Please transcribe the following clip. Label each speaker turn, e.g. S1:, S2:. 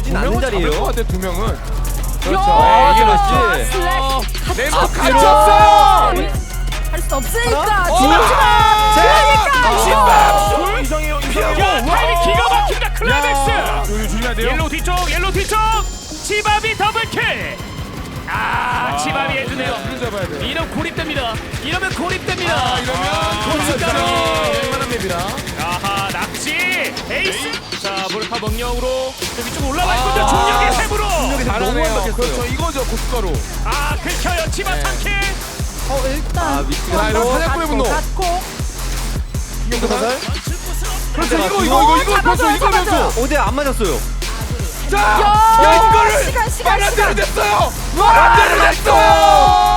S1: 쉽진 않은 자리예요.
S2: 것 같아, 두 명은. 그렇죠.
S1: 아,
S2: 이게
S1: 그렇지.
S2: 네,
S1: 앞뒤로.
S2: 갇혔어요.
S3: 할 수 없으니까
S1: 둘,
S3: 지나치마 그러니까
S2: 이상해요.
S4: 야, 타이밍 기가 막힌다. 클라이맥스.
S2: 여기 조심해야 돼요.
S4: 옐로우 뒤쪽. 치밥이 더블킬. 치밥이 해주네요.
S2: 그런 잡아야 돼요.
S4: 이러면 고립됩니다. 이러면 고립됩니다.
S2: 이러면
S4: 순식간에.
S2: 웬만한 맵이라.
S4: 아하, 낙지 에이스. 자, 몰카 명령으로 좀 위쪽 올라와 있거든요. 중력의 셈으로.
S2: 잘하네요.
S1: 너무
S2: 그렇죠. 이거죠, 고춧가루.
S4: 긁혀요. 치밥 3킬.
S3: 일단
S1: 위치가
S2: 이런 사냥꾼의 분노.
S3: 닫고
S1: 이거 사살?
S2: 그렇죠.
S1: 잡았어.
S2: 이거 변수.
S3: 잡아줘요.
S1: 어제 안 맞았어요.
S2: 자, 야, 이거를
S3: 시간
S2: 말안 되는 됐어요. 말안 되는 됐어요.